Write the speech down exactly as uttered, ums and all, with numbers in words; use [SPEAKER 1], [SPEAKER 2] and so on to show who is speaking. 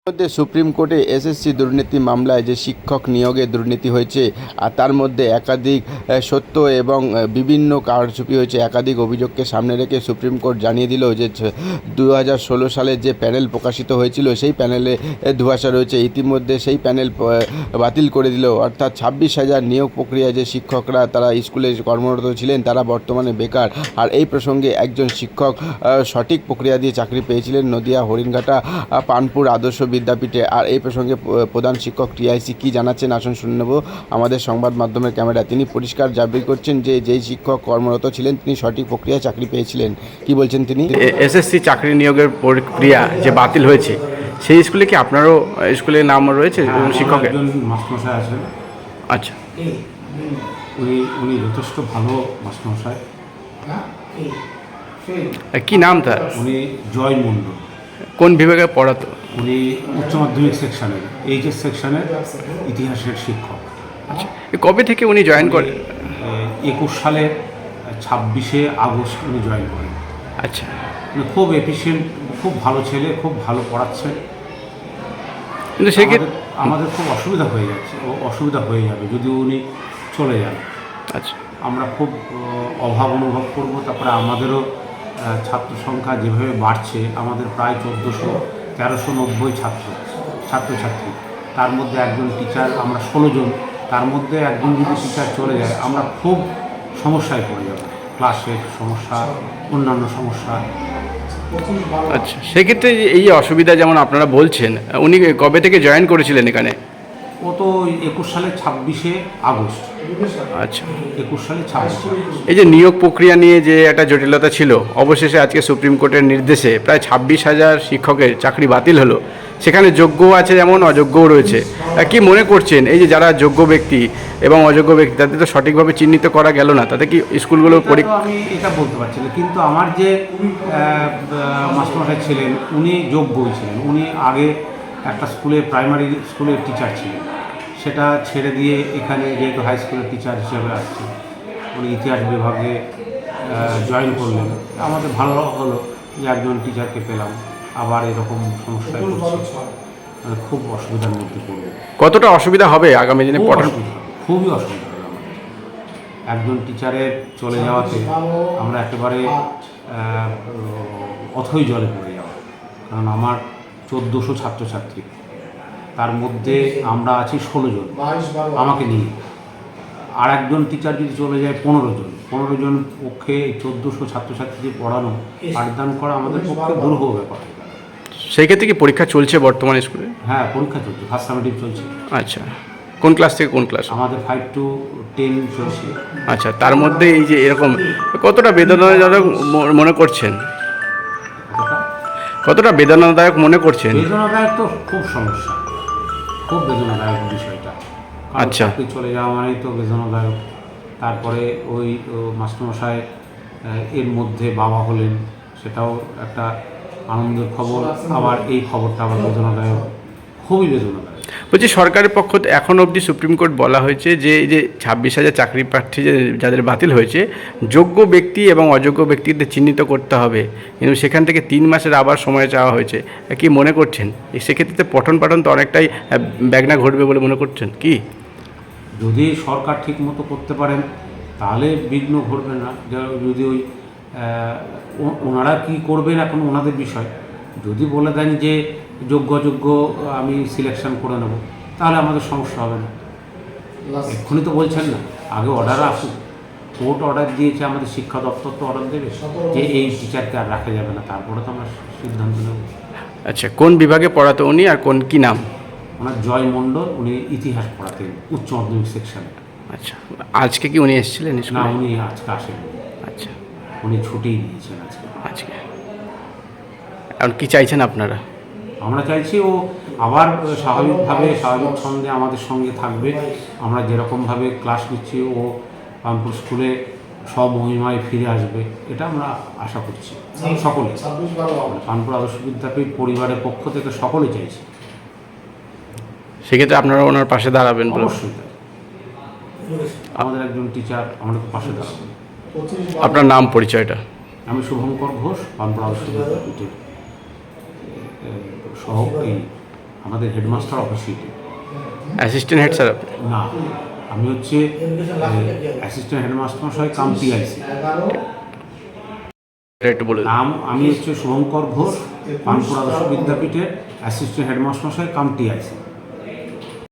[SPEAKER 1] মধ্যে সুপ্রিম কোর্টে এসএসসি দুর্নীতি মামলায় যে শিক্ষক নিয়োগে দুর্নীতি হয়েছে আর তার মধ্যে একাধিক সত্য এবং বিভিন্ন কারচুপি হয়েছে, একাধিক অভিযোগকে সামনে রেখে সুপ্রিম কোর্ট জানিয়ে দিল যে দু হাজার ষোলো সালে যে প্যানেল প্রকাশিত হয়েছিল সেই প্যানেলে ধোঁয়াশা রয়েছে। ইতিমধ্যে সেই প্যানেল বাতিল করে দিল, অর্থাৎ ছাব্বিশ হাজার নিয়োগ প্রক্রিয়ায় যে শিক্ষকরা তারা স্কুলে কর্মরত ছিলেন তারা বর্তমানে বেকার। আর এই প্রসঙ্গে একজন শিক্ষক সঠিক প্রক্রিয়া দিয়ে চাকরি পেয়েছিলেন নদিয়া হরিণঘাটা পানপুর আদর্শ বিদ্যাপীঠে। আর এই প্রসঙ্গে প্রধান শিক্ষক টিআইসি কী জানাচ্ছেন আসুন শুনে নেব আমাদের সংবাদ মাধ্যমের ক্যামেরা। তিনি পরিষ্কার দাবি করছেন যে যেই শিক্ষক কর্মরত ছিলেন তিনি সঠিক প্রক্রিয়ায় চাকরি পেয়েছিলেন। কি বলছেন তিনি?
[SPEAKER 2] এসএসসি চাকরি নিয়োগের প্রক্রিয়া যে বাতিল হয়েছে সেই স্কুলে কি আপনারও স্কুলের নাম রয়েছে শিক্ষকের?
[SPEAKER 3] একজন মাস্টারমশাই আছেন।
[SPEAKER 2] আচ্ছা,
[SPEAKER 3] উনি উনি যথেষ্ট ভালো মাস্টারমশাই।
[SPEAKER 2] কি নাম তার?
[SPEAKER 3] উনি জয় মণ্ডল।
[SPEAKER 2] কোন বিভাগে পড়াতো?
[SPEAKER 3] উনি উচ্চ মাধ্যমিক সেকশনের এইচএস সেকশনের ইতিহাসের শিক্ষক।
[SPEAKER 2] আচ্ছা, কবে থেকে উনি জয়েন করেন?
[SPEAKER 3] একুশ সালের ছাব্বিশে আগস্ট উনি জয়েন করেন।
[SPEAKER 2] আচ্ছা,
[SPEAKER 3] উনি খুব এফিশিয়েন্ট, খুব ভালো ছেলে, খুব ভালো পড়াচ্ছেন।
[SPEAKER 2] কিন্তু সেক্ষেত্রে
[SPEAKER 3] আমাদের খুব অসুবিধা হয়ে যাচ্ছে, ও অসুবিধা হয়ে যাবে যদি উনি চলে যান।
[SPEAKER 2] আচ্ছা,
[SPEAKER 3] আমরা খুব অভাব অনুভব করব। তারপরে আমাদেরও ছাত্র সংখ্যা যেভাবে বাড়ছে, আমাদের প্রায় চোদ্দোশো তেরোশো নব্বই ছাত্র ছাত্রছাত্রী, তার মধ্যে একজন টিচার, আমরা ষোলো জন, তার মধ্যে একজন যদি টিচার চলে যায় আমরা খুব সমস্যায় পড়ে যাব। ক্লাসের সমস্যা, অন্যান্য সমস্যা।
[SPEAKER 2] আচ্ছা, সেক্ষেত্রে এই অসুবিধা যেমন আপনারা বলছেন, উনি কবে থেকে জয়েন করেছিলেন এখানে?
[SPEAKER 3] ও তো একুশ সালে ছাব্বিশে আগস্ট।
[SPEAKER 2] আচ্ছা,
[SPEAKER 3] একুশ সালে ছাব্বিশে আগস্ট।
[SPEAKER 2] এই যে নিয়োগ প্রক্রিয়া নিয়ে যে একটা জটিলতা ছিল, অবশেষে আজকে সুপ্রিম কোর্টের নির্দেশে প্রায় ছাব্বিশ হাজার শিক্ষকের চাকরি বাতিল হলো। সেখানে যোগ্য আছে যেমন অযোগ্যও রয়েছে। কি মনে করছেন এই যে যারা যোগ্য ব্যক্তি এবং অযোগ্য ব্যক্তি তাদের তো সঠিকভাবে চিহ্নিত করা গেল না, তাতে কি স্কুলগুলো পরীক্ষা?
[SPEAKER 3] আমি এটা বলতে পারছি না, কিন্তু আমার যে মাস্টারমশাই ছিলেন উনি যোগ্যই ছিলেন। উনি আগে একটা স্কুলে, প্রাইমারি স্কুলের টিচার ছিলেন, সেটা ছেড়ে দিয়ে এখানে যেহেতু হাই স্কুলের টিচার হিসেবে আসছে, উনি ইতিহাস বিভাগে জয়েন করলেন। আমাদের ভালো হলো যে একজন টিচারকে পেলাম। আবার এরকম সমস্যায় পড়ছি, খুব অসুবিধার মধ্যে পড়বে।
[SPEAKER 2] কতটা অসুবিধা হবে আগামী দিনে পড়ার?
[SPEAKER 3] খুবই অসুবিধা হবে আমাদের। একজন টিচারের চলে যাওয়াতে আমরা একেবারে অথই জলে পড়ে যাওয়া। কারণ আমার চোদ্দোশো ছাত্রছাত্রী, তার মধ্যে আমরা আছি ষোলো জন আমাকে নিয়ে। আর একজন টিচার যদি চলে যায় পনেরো জন, পনেরো জন পক্ষে চোদ্দোশো ছাত্রছাত্রীদের পড়ানো, পাঠদান করা আমাদের পক্ষে দুর্ভোগ ব্যাপার।
[SPEAKER 2] সেই ক্ষেত্রে কি পরীক্ষা চলছে বর্তমানে স্কুলে?
[SPEAKER 3] হ্যাঁ, পরীক্ষা চলছে, ফার্স্ট সামেটিভ চলছে।
[SPEAKER 2] আচ্ছা, কোন ক্লাস থেকে কোন ক্লাস?
[SPEAKER 3] আমাদের ফাইভ টু টেন চলছে।
[SPEAKER 2] আচ্ছা, তার মধ্যে এই যে এরকম কতটা বেদনাদায়ক মনে করছেন? কতটা বেদনাদায়ক মনে করছেন?
[SPEAKER 3] বেদনাদায়ক তো খুব সমস্যা, খুব বেদনাদায়ক বিষয়টা।
[SPEAKER 2] আচ্ছা,
[SPEAKER 3] চাকরি চলে যাওয়া মানেই তো বেদনাদায়ক। তারপরে ওই মাস্টারমশাই এর মধ্যে বাবা হলেন, সেটাও একটা আনন্দের খবর। আবার এই খবরটা আবার বেদনাদায়ক, খুবই বেদনাদায়ক।
[SPEAKER 2] বলছি সরকারের পক্ষ থেকে এখন অবধি সুপ্রিম কোর্ট বলা হয়েছে যে এই যে ছাব্বিশ হাজার চাকরি প্রার্থী যে যাদের বাতিল হয়েছে, যোগ্য ব্যক্তি এবং অযোগ্য ব্যক্তিদের চিহ্নিত করতে হবে, কিন্তু সেখান থেকে তিন মাসের আবার সময় চাওয়া হয়েছে। কি মনে করছেন সেক্ষেত্রে পঠন পাঠন তো অনেকটাই ব্যাঘ্ন ঘটবে বলে মনে করছেন কি?
[SPEAKER 3] যদি সরকার ঠিক মতো করতে পারেন তাহলে বিঘ্ন ঘটবে না। যদি ওই ওনারা কি করবেন এখন ওনাদের বিষয়। যদি বলে দেন যে যোগ্য অযোগ্য আমি সিলেকশন করে নেব, তাহলে আমাদের সমস্যা হবে না। এক্ষুনি তো বলছেন না, আগে অর্ডার আসুক। কোর্ট অর্ডার দিয়েছে, আমাদের শিক্ষা দপ্তর তো অর্ডার দেবে যে এই টিচারকে আর রাখা যাবে না, তারপরে তো আমরা সিদ্ধান্ত নেব।
[SPEAKER 2] আচ্ছা, কোন বিভাগে পড়াতো উনি আর কোন কি নাম?
[SPEAKER 3] ওনার জয় মণ্ডল, উনি ইতিহাস পড়াতেন উচ্চ মাধ্যমিক সেকশনে।
[SPEAKER 2] আচ্ছা, আজকে কি উনি এসেছিলেন?
[SPEAKER 3] না, উনি আজকে আসেন।
[SPEAKER 2] আচ্ছা,
[SPEAKER 3] উনি ছুটি নিয়েছেন আজকে।
[SPEAKER 2] আজকে আর কি চাইছেন আপনারা?
[SPEAKER 3] আমরা চাইছি ও আবার স্বাভাবিকভাবে, স্বাভাবিক ছন্দে আমাদের সঙ্গে থাকবে। আমরা যেরকমভাবে ক্লাস নিচ্ছি ও পানপুর স্কুলে স্বমহিমায় ফিরে আসবে, এটা আমরা আশা করছি সকলে। পানপুর আদর্শ বিদ্যাপীঠ পরিবারের পক্ষ থেকে সকলে চাইছি।
[SPEAKER 2] সেক্ষেত্রে আপনারা ওনার পাশে দাঁড়াবেন?
[SPEAKER 3] অবশ্যই, আমাদের একজন টিচার আমাদের পাশে দাঁড়াবেন।
[SPEAKER 2] আপনার নাম পরিচয়টা?
[SPEAKER 3] আমি শুভঙ্কর ঘোষ, পানপুর আদর্শ বিদ্যাপীঠের সহ এই আমাদের হেডমাস্টার অফিসিয়েটে।
[SPEAKER 2] অ্যাসিস্ট্যান্ট হেড স্যার আপনি?
[SPEAKER 3] না, আমি হচ্ছে অ্যাসিস্ট্যান্ট হেডমাস্টার মশাই কাম টিআইসি।
[SPEAKER 2] এটা একটু বলে দিন।
[SPEAKER 3] নাম আমি হচ্ছে শুভঙ্কর ঘোষ, পানপুর আদর্শ বিদ্যাপীঠের অ্যাসিস্ট্যান্ট হেডমাস্টার মশাই কাম টিআইসি।